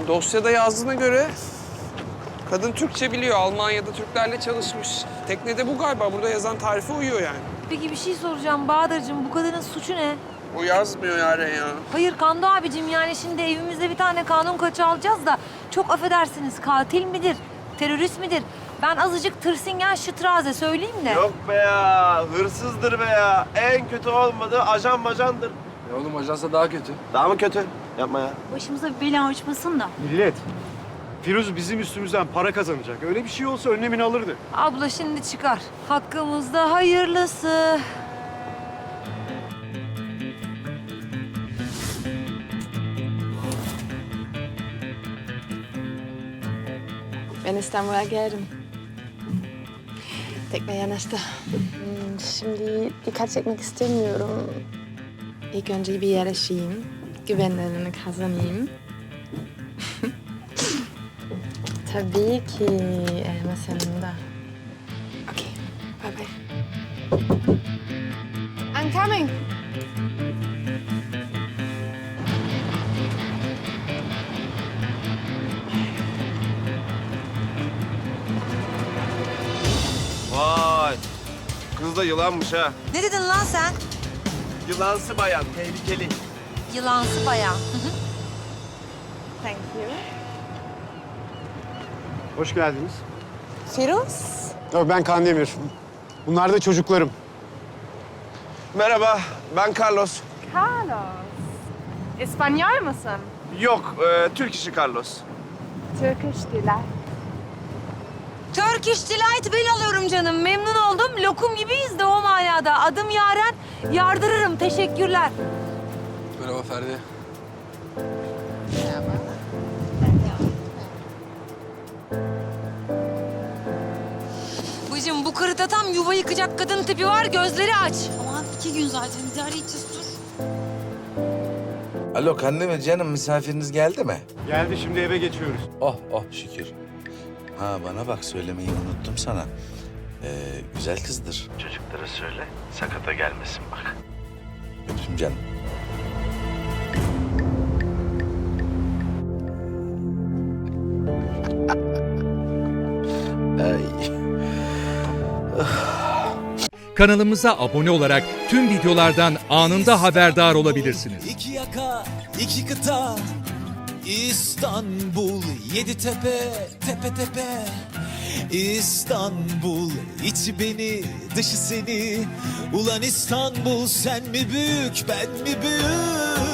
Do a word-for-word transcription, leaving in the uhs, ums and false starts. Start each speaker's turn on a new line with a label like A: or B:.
A: Dosyada yazdığına göre kadın Türkçe biliyor. Almanya'da Türklerle çalışmış. Teknede bu galiba. Burada yazan tarife uyuyor yani.
B: Peki bir şey soracağım Bahadır'cığım. Bu kadının suçu ne?
A: O yazmıyor Yaren ya.
B: Hayır Kando abicim, yani şimdi evimizde bir tane kanun kaçı alacağız da çok affedersiniz, katil midir, terörist midir? Ben azıcık tırsingen şıtraze söyleyeyim de.
C: Yok be ya, hırsızdır be ya. En kötü olmadı, ajan majandır.
D: Ya oğlum ajansa daha kötü.
C: Daha mı kötü? Yapma ya.
E: Başımıza bir bela uçmasın da.
F: Millet, Firuz bizim üstümüzden para kazanacak. Öyle bir şey olsa önlemini alırdı.
B: Abla şimdi çıkar. Hakkımızda hayırlısı.
G: Ben İstanbul'a geldim. Tekne yanaştı. Hmm, Şimdi dikkat çekmek istemiyorum. İlk önce bir yerleşeyim. Güvenlerini kazanayım. Tabii ki elmas yanımda. Okay, bye bye. I'm coming.
C: Vay, kız da yılanmış ha.
B: Ne dedin lan sen?
C: Yılansı bayan, tehlikeli.
B: Yılansı bayağı.
G: Thank you.
F: Hoş geldiniz.
G: Firuz?
F: Ben Kandemir. Bunlar da çocuklarım.
C: Merhaba, ben Carlos.
G: Carlos. İspanyol musun?
C: Yok, e, Türk işi Carlos.
G: Turkish delight.
B: Turkish Delight ben alıyorum canım. Memnun oldum. Lokum gibiyiz de o manada. Adım Yaren. Yardırırım. Teşekkürler.
D: Merhaba Ferdi.
B: Bacım bu kırıta tam yuva yıkacak kadın tipi var. Gözleri aç.
E: Aman iki gün zaten idare edeceğiz, dur.
H: Alo Kandemir canım, misafiriniz geldi mi?
F: Geldi, şimdi eve geçiyoruz.
H: Oh oh şükür. Ha bana bak, söylemeyi unuttum sana. Ee, güzel kızdır. Çocuklara söyle, sakata gelmesin bak. Öptüm canım. Ay.
I: Kanalımıza abone olarak tüm videolardan anında haberdar olabilirsiniz.
J: İki yaka, iki kıta, İstanbul, yedi tepe, tepe tepe. İstanbul, içi beni, dışı seni. Ulan İstanbul, sen mi büyük, ben mi büyük?